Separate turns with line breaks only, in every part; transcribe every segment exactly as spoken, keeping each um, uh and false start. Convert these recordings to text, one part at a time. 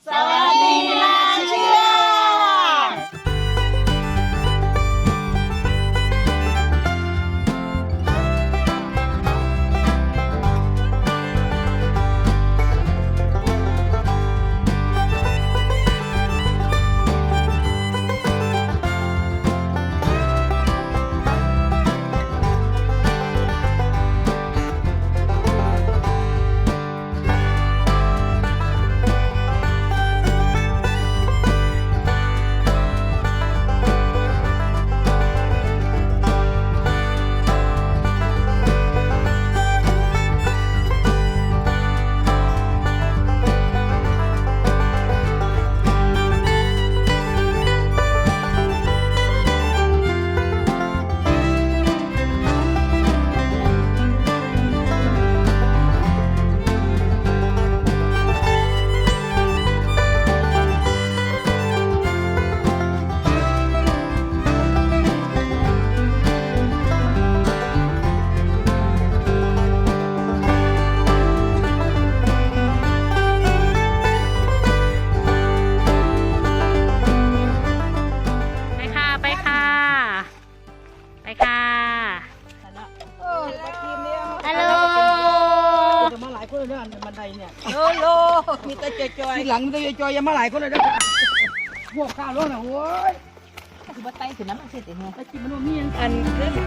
สวัสดีนาเชื่อ
บันไดเนี่ย
โลโลมีแต่จอย
ทีหลังมีแต่จอยยังมาหลายคนเลยนะพวกข้าวร้อนอ่ะโว้ย
คือว่าไตถึงน้ำมันเสร็จเองไง
ไอ้กินมันมี
อันเรื่อง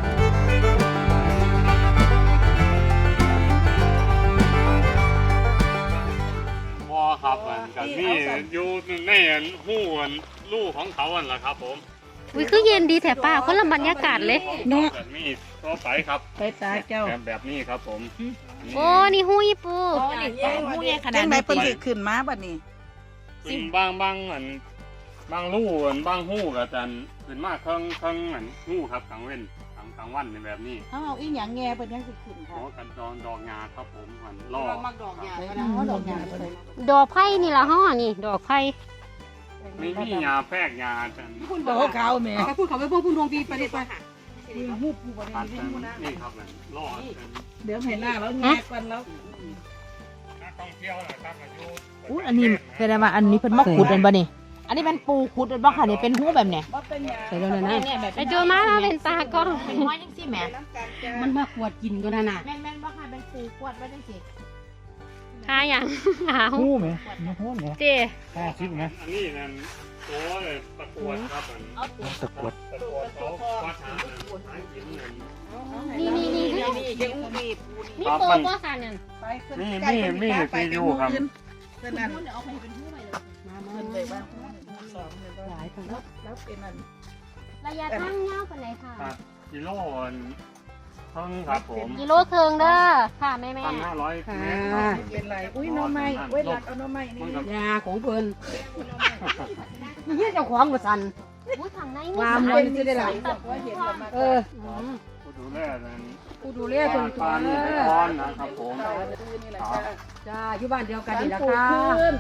พอครับอันกับนี่อยู่ในอันหู้อันลู่ของเขาอันละครับผม
อุ้ยคือเย็นดีแถบป้าคนละบรรยากาศเลย
เนาะแบบนี้ก็ไปครับ
ไปตาเจ้า
แบบแบบนี้ครับผม
โอ้นี่หู้ยี่ปู
โอ้นี่หู้เนี่ยขนาด
จังไหนเพิ่นสิขึ้นมาบัดนี้
ซึ่งบางบางอันบางลู่อันบางหู้กับจันขึ้นมาเครื่องเครื่องอันหู้ครับกลางเว้นกลางกลางวันในแบบนี้
เฮาเอาอีหยังแง่เพิ่นยังสิขึ้น
ข
ค่ะ
อกันดองดอกงาครับผมหันล่อ
เรามักดอกยา
ไป
ก็
นะ
ได้
เฮาดอกหญ้าเพิ่น
ดอกไผ่นี่ละห้อนี่ ดอกไผ่
ไม่มียาแพรกยาจัน
คุณดอกขาวแม่
พูดเขาไปพวกพูดดวงปีไปเลยไป
ฮู้ผู้บ่
ตั
ได้
ด
ยิ
จั
น
น
ฮู้นะ
นี่ครับอันล่อจัน
เดี๋ยวเห็นหน้าแล้วแง่กันแล้ว
นักท่องเที่ยวนะครับอายุ
อู้อันนี้เป็นอะไรมาอันนี้เป็นมะขุดอันบ่นี่อันนี้เป็นปูขุดอันบ่ค่ะนี่เป็นหูแบบเนี้ย
บ่เป็นหยัง
ใส่แล้วนะ
ไอโจมามาเป็นตากล้อง
เป็นห้อยจังซี่แหม
มันมาขวดกินก็น่ะน่ะ
แม่นแม่นบ่ค่ะเป็นปูขวดไว้จังซี่
หาอย่างหาหู
หู้ไหมไม่หู้ไหม
เจ
ห้าสิบไหม
อันนี้นั่นตัวตะกรวดครับอัน
เอาตัว
ตะกรวด
ตะกรวดเขาวัดหาหาหินเงิน
นี่นี่นี่นี่
นี่ยังอู้บีบ
นี่โปก็สันนั่น
ไปขึ้น
มี
ใกล้
มี
เพิ่น
มี
ไป
ซียูครับ
เพิ่นนั่น
เดี๋ยวเอาไปเป็นหูไปเลย
มามาขึ้นไปบ้างสองเลยหลายคนแล้วเป็นอัน
ระยะทางยาวปานไหนค่ะ
ครับกิโลนเพิ่งครับผม
กิโลเคิงเด้อค่ะแม่แม่
พันห้าร้อยเมตร
เป็นไรอุ้ยน้องไม้อุ้ยหลักเอาน้องไม้นี่
ยาของเพิ่นนี่เจ้าของบ่สั่น
อุ้ยทางใน
วาม
มี
มันสิได้หลาย
ว่าเห็นประมาณ
เออ
ผู้ดูแลนั่น
กูดูแลเพิ่น
ปานนี่เป็นก้อนนะครับผม
นี่แหละจ้า
จ้าอยู่บ้านเดียวกัน
การ
นี่
ป
ล่ะ
ลูก
ค่ะ
ขึ้น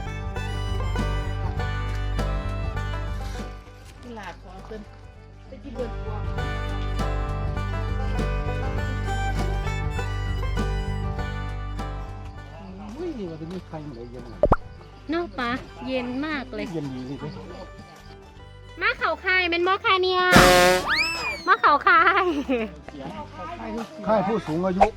หลาบของขึ้นเป็นที่เบิดกวาง
อุ้ยว่าจะมีใครมาเลยเย็น
เนาะปะเย็นมากเลย
เย็นดีสิ
มาเขาคายเป็นมอคาเนี่ยมาเขาคาย
ค่ายผู้สูงอายุ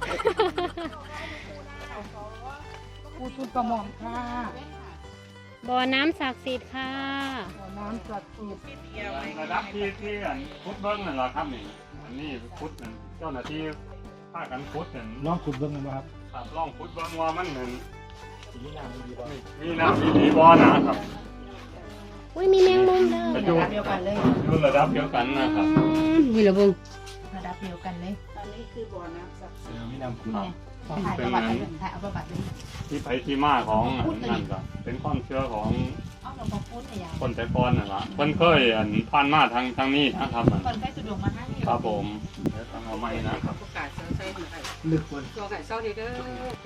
ผู้ทุนกระหม่อมค่ะ
บ่อน้ำศักดิ์สิทธิ์ค่ะ
น้ำสักดิ์สิทธิ์
ระดับที่ที่อันพุทธเบิ้งนั่นแหละครับนี่อันนี้พุทธนั่นเจ้าหน้าที่ภาคกันพุทธนั่น
น้องขุดเบิ้งกันไหมครับ
ครับลองพุทธเบิ้งว่ามันเหมือน
สีน้ำมันดีกว่า
มีน้ำมีดีบ่อนะครับ
อุ้ยมีแมงมุมเด้อ
แต่อยู่
เดียวกันเลย
อยู่ระดับเดียวกันนะครับ
มีระเบิงระดับเดียวกันเลย
อันนี้คือบ่อน้ำศักดิ์สิทธิ์
มีน้ำขุด
ถ่ายประวัติเลยถ่ายเอาประวัติเลย
ที่ไปที่มาของอันนั่นก็เป็นความเชื่อของ
เอาหลวงพ่อพูดเนี่ย
คนแต่ก่อนนั่นละเพิ่นเคยอันผ่านมาทางทางนี้นะครับมัน
ก่อนใกล้สะดวกมาให้
ครับผมเดี๋ยวทางเอาไม้นะครับ
ประกาศเซลล์ใส่หน่อย
ลึกคน
ตัวไก่เซลล์เด้อ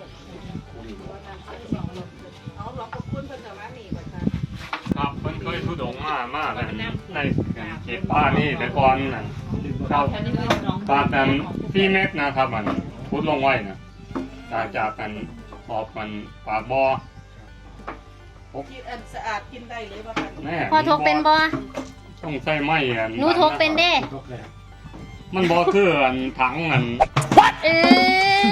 เอาหลวงพ่อคุณเพิ่นจะมาหนีบ่ค่ะ
ครับเพิ่นเคยทุดงมามาแต่ในเขตป่านี่แต่ก่อนน่ะครับปากันสี่เมตรนะครับมันพุดลงไว้นะจากจากกันขอบมันปากบ่อ
กินอันสะอาดกินได้เลยป่ะคะ
แม่
พอทกเป็นบ่
ต้องใส่ไม้อัน
หนูทกเป็นเด้
มันบ่คืออันถังอัน
เออ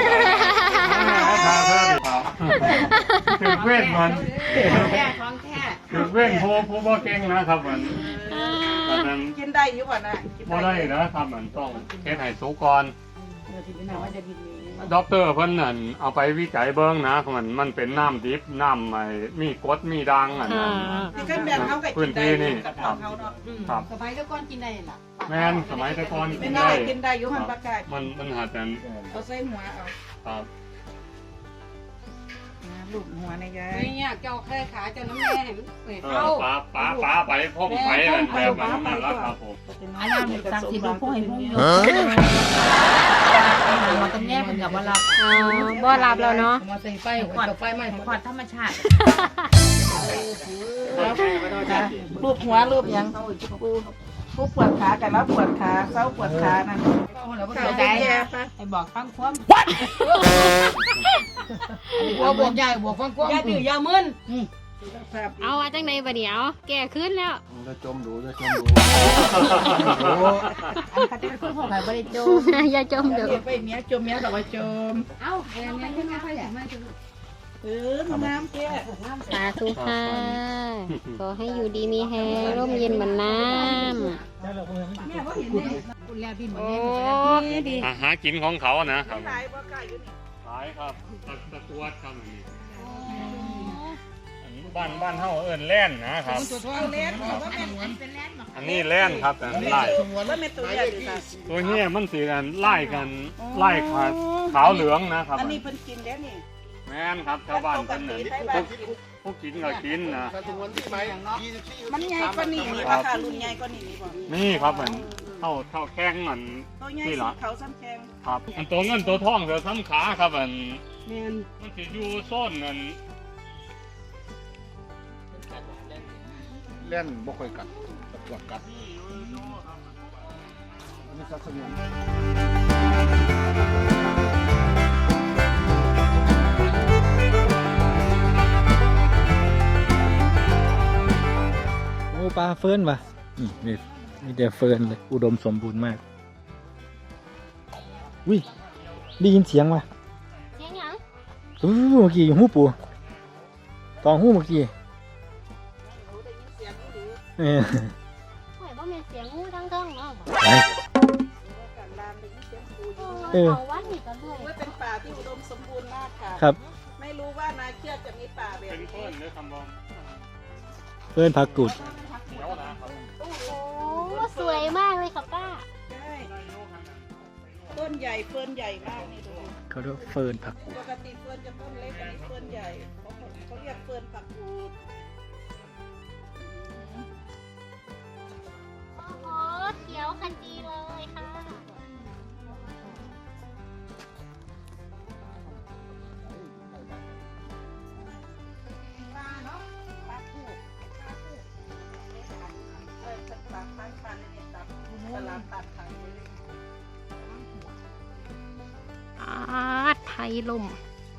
คือเว้นมัน
แค่ท้องแค่
คือเว้นผู้ผู้บ่เก่งนะครับมันอันนั้น
กินได้อยู่ป่ะนะกิน
บ่ได้นะครับมันต้องเฮ็ดให้สุกก่อน
เดี๋ยวที่พี่นาว่าจะกินนี้
ด็อกเตอร์เพิ่นนั่นเอาไปวิจัยเบิ่งนะมันมันเป็นน้ำดิบน้ำไอ้มีกรดมีด่างอันนั้น
นี่ก็แบบเขากับกินได้กับของเขาเนาะ
ครับ
สมัยตะก่อนกินได้ล่ะ
แม่นสมัยแต่ก่อน
ไม่
กิน
น่า
ได้
กินได้อยู่หันปากกา
มันมันหาแต่
เอาใส่หัวเอา
ครับ
ลูบหัวในยาย
เนี่ยเจ้าแค่ขาเจ้าน้ำแม่เห็นเห็น
เอ
เข้า
อป้าป้าป้าไปพ่มไปนั่นแบบนั้นนั่นละครับผม
อันนั้นสั่งสิดูพวกให้พวกอยู่มันต้องแยกมันกับว่ารับ
อ๋อบ่รับแล้วเนาะ
มาใส่ไฟหัวไฟไหม้
ขอดธรรมชาติ
ลูบหัวลูบยังกูกูปวดขากันแล้วปวดขาเศร้าปวดขานั่น
เข้าใจไอ้บอกฟังความ
หัวบวกใหญ่บวกฟังกว้าง
อย่าดื้ออย่ามึน
เอาว่าจังไดบัดเดี๋ยวแก่ขึ้นแล้ว
จะจมดูจะจมดู
อันเขาจะเป็นคนพวกใครบริโจ
อย่าจมเด้อ
เดี๋ยวไปเมียจมเมียแต่ว่าจม
เอ้าแอนเนี่ยขึ้นมาไฟไหม้
เออน้ำแก่
สาธุค่ะขอให้อยู่ดีมีแฮงร่มเย็นเหมือนน้ำ
คุณแล้วพี่หมด
โอ้
แม่
ดี
อาหากินของเขานะครับ
หลายบ่กล้าอยู่นี่
ขายครับตะตะกวดครับอันนี้อันนี้บ้านบ้านเฮาเอิ้นแล่นนะครับ
เอาเล่นว่าแม่น
เป็นแลนด์มา
อันนี้แล่นครับอันไล่
ว่าแม่นตัวใหญ่ดีค่ะ
ตัวเนี้ยมันสีกันไล่กันไล่ขาวขาวเหลืองนะครับ
อันนี้เพิ่นกินแล้วนี่
แม่นครับชาวบ้านเพิ่นน่ะพวกพวกกินก็กินนะ
มันใหญ่กว่านี้นี่ราคารุ่นใหญ่กว่านี้นี่บ่
นี่ครับมันเท่าเท่าแข้งมัน
ตัวใหญ่
นี่
สี
เหรอ
เขาซ้ำแขง
ครับอันตัวเงินตัวทองเสือซ้ำขาครับอัน
แม่น
มันสิอยู่โซ่นนั่น
เล่นบ่ค่อยกัดตะกวดกัดนี่สักสนุนโอ้ปลาเฟิร์นว่ะนี่นี่มีแต่เฟิร์นเลยอุดมสมบูรณ์มากวิได้ยินเสียงว่ะ
เสียงหยัง
อู้เมื่อกี้หูปูตองหูเมื่อกี้เออ
ข่อยบ่แม่นเสียงงูทั้งเทิงเนาะ
ไหน
การลานได้ยินเสียงปูอยู่
เออ
าวัดนี่ก็ด้วย
ว่าเป็นป่าที่อุดมสมบูรณ์มากค่ะ
ครับ
ไม่รู้ว่านาเชือกจะมีป่าแบบ
เป็น
นี้
เพิ่นหรือคำบอก
เฟิร์นผักกูด
เดี๋ยวนะครับ
โอ้โหสวยมากเลยค่ะป้า
ใช่ต้นใหญ่เฟิร์นใหญ่มากนี่ดู
เขาเรียกว่าเฟิร์นผักกูด
ปกติเฟิร์นจะต้นเล็กอันนี้เฟิร์นใหญ่เขาเขาเรียกเฟิร์นผักกูด
โอ้โหเขียวขจีเลยค่ะ
ปลาเนาะปลาคู่ปลาคู่เออตัดปลาปลาปลาเนี่ยตัดตลาดตัดขายเลย
อาไทยลม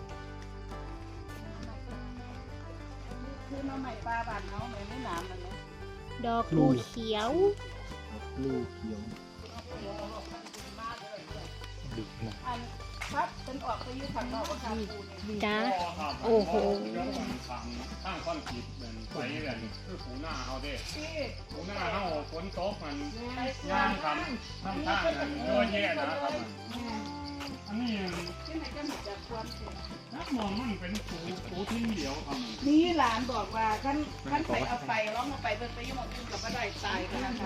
คือน้องใหม่ปลาบานเขาไม่ไม่หนามมันเนาะ
ดอกลูเขียว
ลูกเขียวดึกนะ
อันพัดเป็นออกไปอยู่ข้างนอกว่าค่ะปูนี่
จ้า
ครับ
โอ้โห
ทางข้างคอนกรีตเป็นไปกันคือปูหน้าเฮาเด้
ที่
ปูหน้าเฮาฝนตกมันย่างทำทำท่ากันเยอะแยะนะครับอันนี้
ที่ไหนจะมีแต่ควันเสีย
นักมองมันเป็นปูปูทิ้งเดียวครับ
นี่หลานบอกว่าขั้นขั้นไปเอาไปร้องเอาไปเบิ่งไปยุ่งกินกับบ่ได้ตายกันนะคะ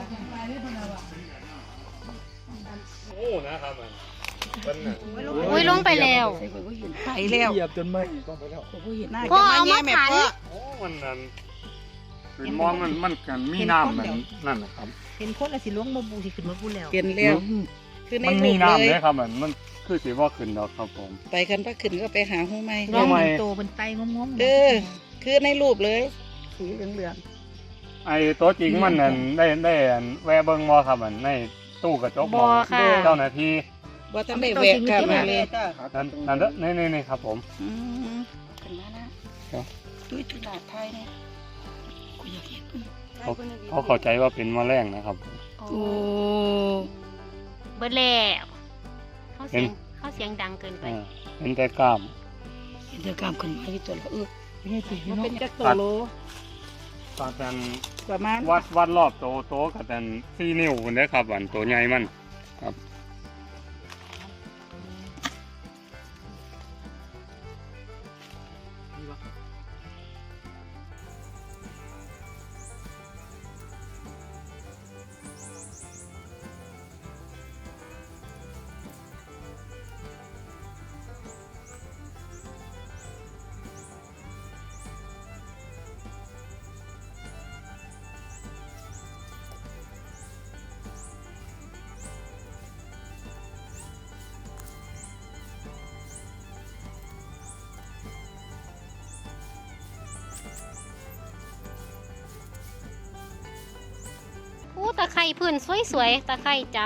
โอ้นะครับมันเป็นน่ะ
อุ้ยลงไปแล้ว
ไปแล้ว
เหยียบจนไหมต้องไปแล้ว
พ่อเอามาขัน
โอ้มันนั่นเป็นมองมันมันกันมีน้ำมันนั่นนะครับ
เห็นคนละสิล้วงมาบูสิขึ้นมาบูแล้ว
เปลี่ยนแล้วคือใน
มัน
รู
มี
ป
น้ำ
เล
เลย ยครับมันมันคือสีว่าขึ้นดอกครับผม
ไปกันพักขึ้นก็ไปหาหูไหม
ร้องเป็นโตเป็นไตงงง
เออ คือในรูปเลยสีเหลือง
ไอ้ตัวจริงมันนั่นได้ได้อันแวะเบิ้งมอครับมันในตู้กระจก
บ่ค่ะ
เจ้าหน้าที่
ว่าท่านได้แวะค่ะมาเลย
นั่นนั่นเด้อนี่นี่นี่ครับผม
อืมขึ้นมานะตุ้ยตุลาไทยเนี่ยกูอยากเห็น
เขาเขาเข้าใจว่าเป็นแมลงนะครับ
โอ้
โอ้
เบิดแล้วเขาเสียงเขาเสียงดังเกินไป
อ่าเป็นแต่กล้าม
เห็นจะกล้ามขึ้นมาที่ตัวแล้วเออ
มันเป็นจักรโตโล
ตอนนั้น
ประมาณ
วัดวัดรอบโตโตกับแต่สี่นิ้วคนเด้อครับอันตัวใหญ่มันครับ
โอ้ตะไคร่พื้นสวยๆตะไคร่จับ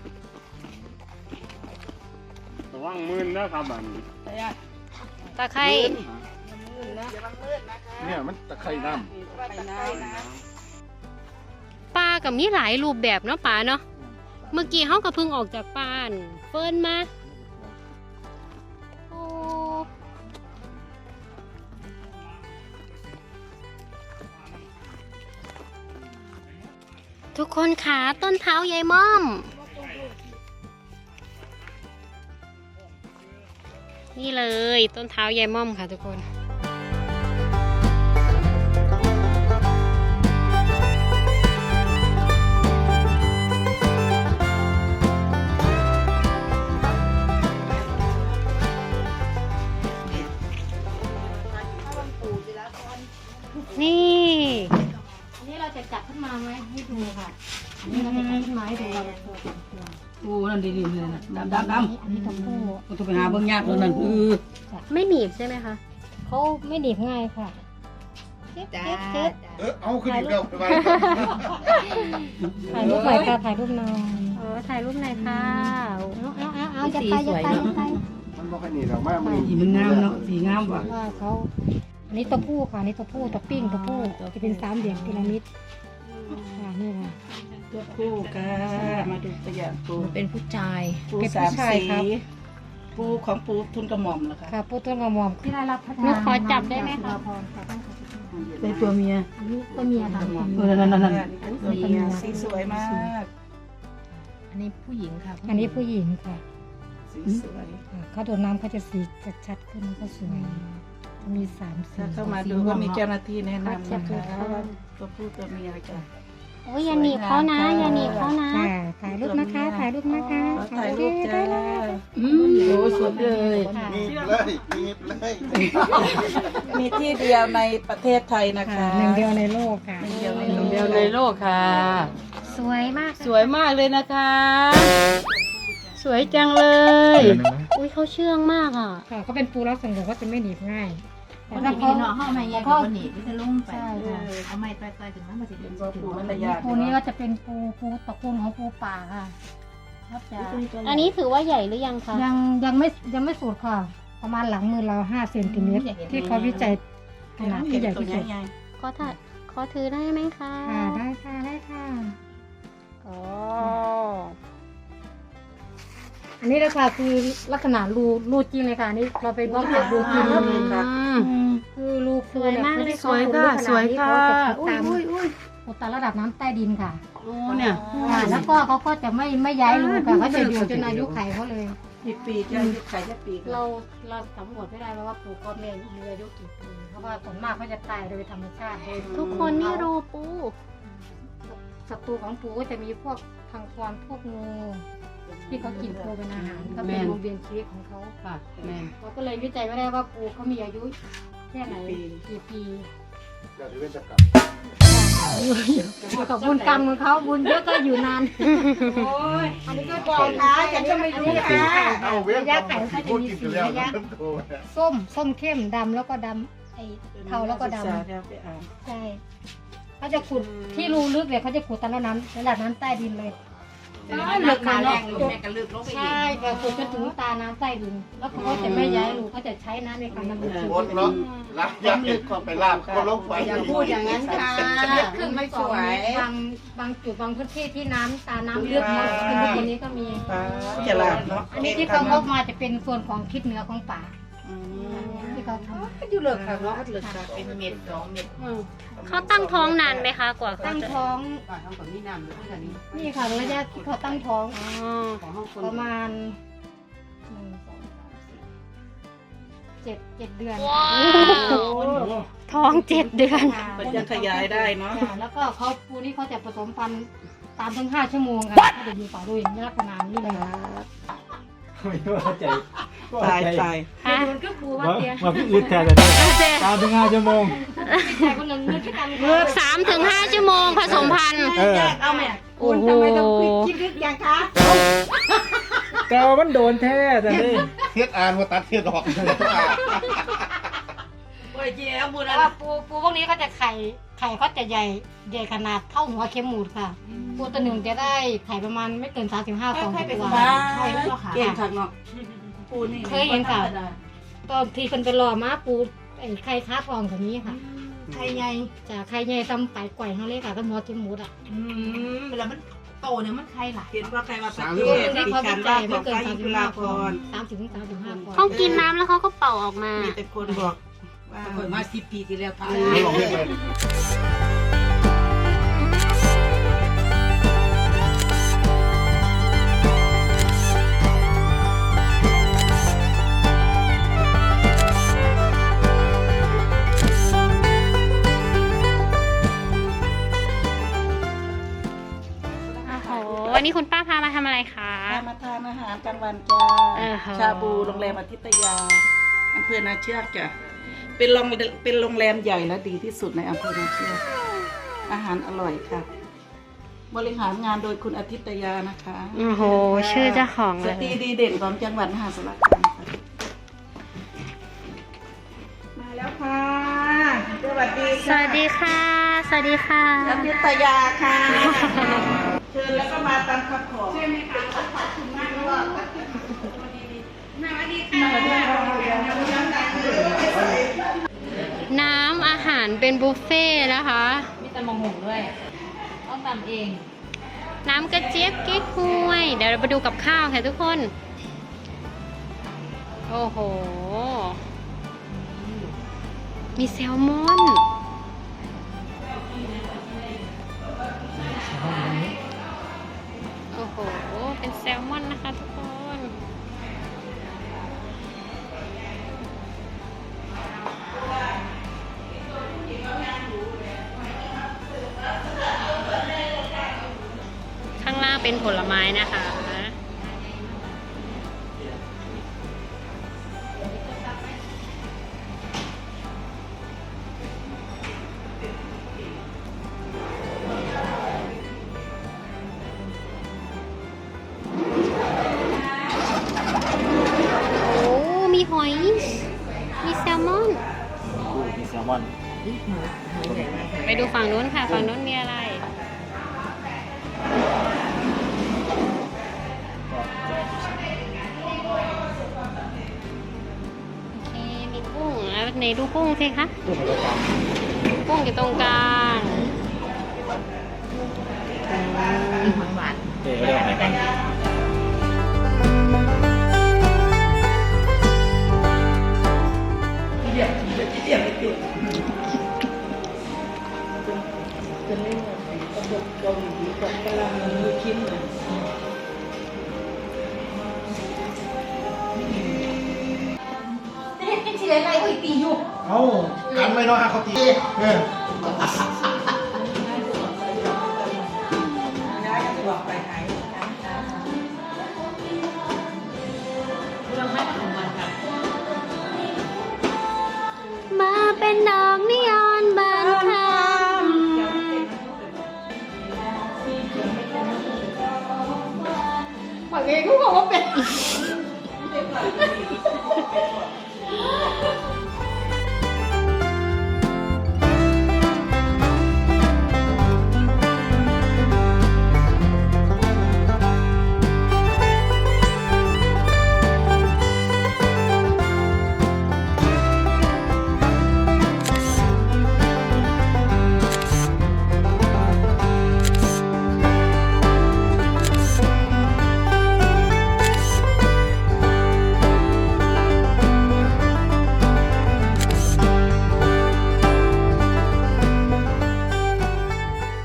ระวังมือนะครับอัน
ตะไคร่
เนี่ยมันตะไคร่น้
ไปน้ำนะ
ปลากับมีหลายรูปแบบเนาะปลาเนาะเมื่อกี้เขาก็เพิ่งออกจากป่านเฟิร์นมาโอ้ทุกคนขาต้นเท้ายายม่อม นี่เลยต้นเท้ายายม่อมค่ะทุกคน นี่ อันนี้เราจะจับขึ้นมาไหมให้ดูค่ะ อันนี้เราจะจับขึ้นมาให้ดูเราจะโชว์
โอ้นั่นดีๆเลยนะดำดำดำ
อันนี้ตัวผู้
มันต้องไปหาเบื้องยากเลยนั่นเออ
ไม่หนีบใช่ไหมคะเขาไม่หนีบง่ายค่ะเจ็บเจ็บเจ็บ
ำเออเอาขึ้นอีกแล้วไป
ถ่ายรูปหน่อยค่ะถ่ายรูปหน่อยเออถ่ายรูปหน่อยค่ะเอาเอาเอาเอาจะไปจะไปจะไป
มันบอกให้หนีหรอกมากมัน
สีมันงามเนาะสีงามว่ะ
ว่าเขาอันนี้ตัวผู้ค่ะอันนี้ตัวผู้ตัวปิ้งตัวผู้จะเป็นสามเหลี่ยมพีระมิดค่ะนี่ค่ะ
ตัวคู่กันมาดูตัวอย่างปู
เป็นผู้ชาย
ปู
เป็น
สา
ผู้
ม
ชาย
สี
ครับ
ปูของปูทุนกระหม่อมเหรอคะ
ค่ะปูต้นกระหม่อมที่ได้รับพัฒนาขอจับได้ไหมคะ
เป็นตัวเมีย
อันนี้ตัวเมียค่ะ
เออนั่นนั่นนั่นตัวเมียสีสวยมาก
อันนี้ผู้หญิงค่ะ
อันนี้ผู้หญิงค่ะ
สีสวย
อ่าเขาโดนน้ำเขาจะสีจะชัดขึ้นก็สวยจะมีสามสี
ถ้าเข้ามาดูก็มีเจ้าหน้าที่แนะนำนะคะว่าตัวผู้ตัวเมียอะไรกัน
โอ้ยอย่าหนีบเขานะอย่าหนีบเขานะถ่ายรูปนะคะถ่ายรูปนะคะ
ขอถ่ายรูปจ้า
ได้
อืมโอ้สวยเลย
ค่ะ
มีบเลยมีบเลย
มีที่เดียวในประเทศไทยนะคะ
หนึ่งเดียวในโลกค่ะ
หนึ่งเดียวใน
ห
โล
นึ่ง
ก
เดียวในโลกค่ะ
สวยมาก
สวยมากเลยนะคะ สวยจังเลย
อุ้ยเขาเชื่องมากอ่ะ
ค่ะเขาเป็นปูรักสังคมเขาจะไม่หนีบง่าย
เพราะพี่เนาะห้องไม่แย่ก็หนีพี่จะลุ่งไปเอาไม้ต่อยๆถึงมันมาสิเป็น
ตัวผู้มันระยะ
ปูนี้ก็จะเป็นปูปูตระกูลของปูป่าค่ะก็จะ
อันนี้ถือว่าใหญ่หรือยังคะ
ยังยังไม่ยังไม่สุดค่ะ ประมาณหลังมือเราห้าเซนติเมตรที่เขาวิจัยขนาดที่ใหญ่ที่สุด
ขอถ่ายขอถือได้ไหมคะ
ค่ะได้ค่ะได้ค่ะ
อ๋อ
อันนี้นะคะคือลักษณะรูรูจริงเลยค่ะอันนี่เราไปบล็อกจากรูจริงแล้วคือรูปูเนี่ยเขาที่เขาขุดลึกขนาดนี้เขาจะขุดตามขุดตามระดับน้ำใต้ดินค่ะ
โอ้เนี่ย
ค่ะแล้วก็เขาก็จะไม่ไม่ย้ายรูค่ะเขาจะอยู่จนอายุไขเขาเลย
กี่ปีจะอายุไขจะปี
เราเราสำรวจไม่ได้แล้วว่าปลูกก้อนเมฆมีอายุกี่ปีเพราะว่าส่วนมากเขาจะตายโดยธรรมชาติโดย
ทุกคนนี่รูปู
ศัตรูของปูก็จะมีพวกพังพรพวกงูที่เขากินปูเป็นอาหารก็เป็นวงเวียนชีวิตของเขา
ค่ะแม่น
เราก็เลยวิจัยไม่ได้ว่าปูเขามีอายุแค่ไหนกี่ปี
เดี๋ยวเว้นจะกลับ
ขอบบุญกรรมของเขาบุญเยอะก็อยู่นาน
อันนี้ก็บอกนะฉันก็ไม่รู้ค่ะ
เอาเว้น
ระยะไขเขาจะ
พูด
มี
กิน
สี
กันแล้ว
ระยะ
โทรมา
ส้มส้มเข้มดำแล้วก็ดำไอ้เทาแล้วก็ดำ ใช่เขาจะขุดที่รูลึกเลยเขาจะขุดตามระดับน้ำระดับน้ำใต้ดินเลย
แเลิกมาแรงแม่ก็ลึกลงไปอีก
ใช่ค่ะสุดจนถึงตาน้ำใต้ดินแล้วเขาก็จะไม่ย้ายลูกเขาจะใช้น้ำในการดำเนินชี
หม
วิ
ด
ต
เนาะรักยากก็ไปลาบก็ลงไป
อย่าพูดอย่างนั้นค่ะขึ้นไม่สวย
บางบางจุดบางพื้นที่ที่น้ำตาน้ำเลือดมากขึ้นทุกวันนี้ก็มี
จะลาบเนาะ
อันนี้ที่เขางอกมาจะเป็นส่วนของทิศเหนือของป่าที่เขาทำ
อยู่เลิกค่ะเนาะเลิกค่ะเป็นเม็ดสองเม็ด
เขาตั้งท้องนานไหมคะกว่าเขา
ตั้ง
จะ
ท้อง
ก่อนทำก่อนนี่น้ำหรือเท่านี้
นี่ค่ะระยะที่เขาตั้งท้อง
อ๋อ
ของห้องคน
ประมาณหนึ่งสองสามสี่เจ็ดเจ็ดเดือน
ท้องเจ็ดเดือน
มันจะขยายได้เนาะ
จ้ะแล้วก็เขาปูนี่เขาจะผสมพันธุ์ตามถึงห้าชั่วโมงค่ะเขาจะอยู่ต่อด้วยในลักษณะนี้เลย
ไม่ว่าใจ
ตายตาย
ฮะ
มันก็ปูว่า
ว่า
เตีย
ว่าพี่อึดแทนเลยตามถึงห้าชั่วโมง
ใจคนหนึ่งมือที่กัน
สามถึงห้าชั่วโมงผสมพันธุ์
เออ
เอาแม่
โอ้โห
ทำไมต้องคิดลึกอย่างคะ
เกามันโดนแท้แต่นี่
เทียดอ่านว่าตัดเทียดออก
โอ้ยเจ๊เอาบุญ
แต่
อะไร
ว่าปูปูพวกนี้เขาจะไข่ไข่เขาจะใหญ่ใหญ่ขนาดเท่าหัวเข็มหมูดค่ะปูตัวหนึ่งจะได้ไข่ประมาณไม่เกินสามสิบห้าฟอง
ค่
ต่
อย
อ
ไป
ตัว
สบายเก่งค่ะเนาะปูนี่
เคยเห็นค่ะ ตอนที่คนไปรอม้าปูไอ้ไข่ค้าฟองแบบนี้ค่ะ
ไทยใหญ่
จากไข่ใหญ่ตำไปไกวเขาเลยค่ะก็หัวเข็มหมูดอ่ะ
อืมเวลามันโตเนี่ยมันไข่หลายเห็นว่าใครว่าประเท
ตัว
ศ
หนึ่งที่
ดิ
เขา
ฉั
จะ
น
จ่า
ว่าย ข
ไม่
อง
เกิน
ไฟ
สามสิ
ยุ
บ
ลา
ห้า
พ
ฟอง
ร
สามสิบถึงสามสิบห้าฟอง
เขากินน้ำแล้วเขาก็เป่าออกมา
มีแต่คนบอกว่าคนมาสิบปีที่แล้วตาย
ไม่ลองเรียกเลย
โอ้โห วันนี้คุณป้าพามาทำอะไรคะ
พามาทานอาหารกลางวันจ้า
เออค่ะ
ชาบูโรงแรมอาทิตยาอำเภอนาเชือกจ้ะเป็นโรงเป็นโรงแรมใหญ่และดีที่สุดในอำเภอนาเชือกอาหารอร่อยค่ะ บริหารงานโดยคุณอาทิตยานะคะ
โอ้โห ชื่อเจ้าของ
ส
เลย
ตรีดีเด่นของจังหวัดมหาสารคามค่ะมาแล้วค่ะสวัสดี
สวัสดีค่ะ สวัสดีค่ะ
อาทิตยาค่ะเชิญแล้วก็มาตามคำขอใช่ไหมคะขอบคุณมากเลย
น้ำอาหารเป็นบุฟเฟ่ต์นะคะ
มีแต่มะม่วงด้วยต้องทำเอง
น้ำกระเจี๊ยบเก๊กฮวย เดี๋ยวเราไปดูกับข้าวค่ะทุกคน โอ้โห มีแซลมอน โอ้โห เป็นแซลมอนนะคะทุกคน ข้างล่างเป็นผลไม้นะคะ โอ้ มีหอย มีแซลมอน
มีแซลมอน
ไปดูฝั่งนู้นค่ะ ฝั่งนู้นมีอะไร โอเค มีกุ้งแล้วไหนดูกุ้งสิคะ กุ้งอยู่ตรงกลาง
มีหอยหวาน
เดี๋ยวเดี๋ยวไหนกัน
จะเล่นแบบกระบอกเกาหลีกับกะลามือคิมเลย
เอ้ากันไม่น้อยฮะเขาตีเออ